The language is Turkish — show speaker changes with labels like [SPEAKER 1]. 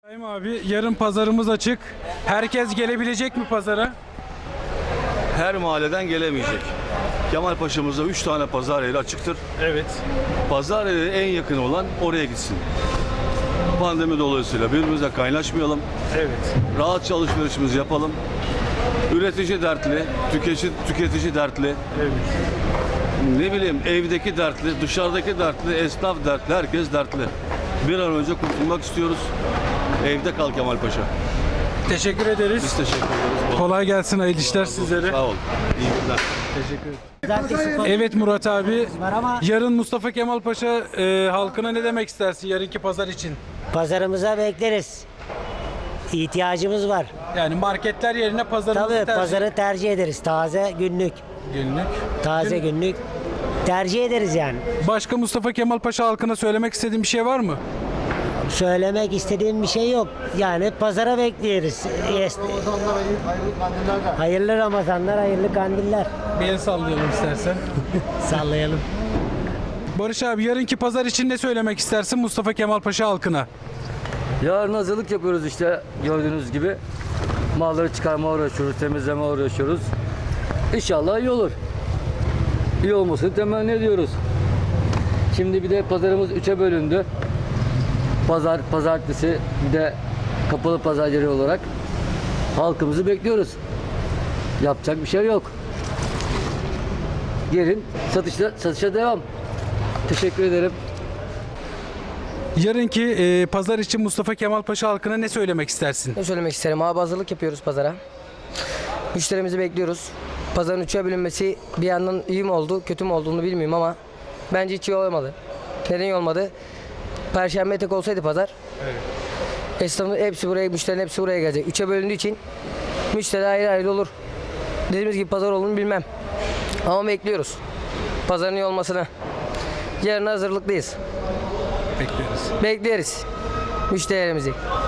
[SPEAKER 1] İbrahim abi, yarın pazarımız açık. Herkes gelebilecek mi pazara?
[SPEAKER 2] Her mahalleden gelemeyecek. Kemalpaşa'mızda 3 tane pazar yeri açıktır.
[SPEAKER 1] Evet.
[SPEAKER 2] Pazar yeri en yakın olan oraya gitsin. Pandemi dolayısıyla birbirimize kaynaşmayalım.
[SPEAKER 1] Evet.
[SPEAKER 2] Rahatça alışverişimizi yapalım. Üretici dertli, tüketici dertli.
[SPEAKER 1] Evet.
[SPEAKER 2] Ne bileyim evdeki dertli, dışarıdaki dertli, esnaf dertli, herkes dertli. Bir an önce kurtulmak istiyoruz. Evde kal Kemalpaşa.
[SPEAKER 1] Teşekkür ederiz.
[SPEAKER 2] Biz teşekkür ederiz.
[SPEAKER 1] Kolay gelsin, hayırlı işler sizlere.
[SPEAKER 2] Sağ ol. İyi günler.
[SPEAKER 1] Teşekkür ederim. Evet Murat abi, yarın Mustafa Kemal Paşa halkına ne demek istersin yarınki pazar için?
[SPEAKER 3] Pazarımıza bekleriz. İhtiyacımız var.
[SPEAKER 1] Yani marketler yerine pazarımızı
[SPEAKER 3] Tabii
[SPEAKER 1] tercih
[SPEAKER 3] pazarı tercih ederiz. Taze günlük.
[SPEAKER 1] günlük.
[SPEAKER 3] Taze günlük. Tercih ederiz yani.
[SPEAKER 1] Başka Mustafa Kemal Paşa halkına söylemek istediğin bir şey var mı?
[SPEAKER 3] Söylemek istediğim bir şey yok. Yani pazara bekleriz. Hayırlı Ramazanlar, hayırlı kandiller.
[SPEAKER 1] Bir el sallayalım istersen.
[SPEAKER 3] Sallayalım.
[SPEAKER 1] Barış abi, yarınki pazar için ne söylemek istersin Mustafa Kemal Paşa halkına?
[SPEAKER 4] Yarın hazırlık yapıyoruz işte gördüğünüz gibi. Malları çıkarmaya uğraşıyoruz, temizlemeye uğraşıyoruz. İnşallah iyi olur. İyi olmasını temenni ediyoruz. Şimdi bir de pazarımız 3'e bölündü. Pazar, pazartesi bir de kapalı pazar yeri olarak halkımızı bekliyoruz. Yapacak bir şey yok. Gelin satışa devam. Teşekkür ederim.
[SPEAKER 1] Yarınki pazar için Mustafa Kemal Paşa halkına ne söylemek istersin?
[SPEAKER 5] Ne söylemek isterim abi, hazırlık yapıyoruz pazara. Müşterimizi bekliyoruz. Pazarın üçe bölünmesi bir yandan iyi mi oldu, kötü mü olduğunu bilmiyorum ama bence hiç iyi olmadı. Neden iyi olmadı? Perşembe tek olsaydı pazar, esnafın hepsi buraya, müşterinin hepsi buraya gelecek. Üçe bölündüğü için müşteri ayrı ayrı olur. Dediğimiz gibi pazar olduğunu bilmem. Ama bekliyoruz pazarın iyi olmasını. Yarın hazırlıklıyız.
[SPEAKER 1] Bekliyoruz.
[SPEAKER 5] Bekleriz müşterilerimizi.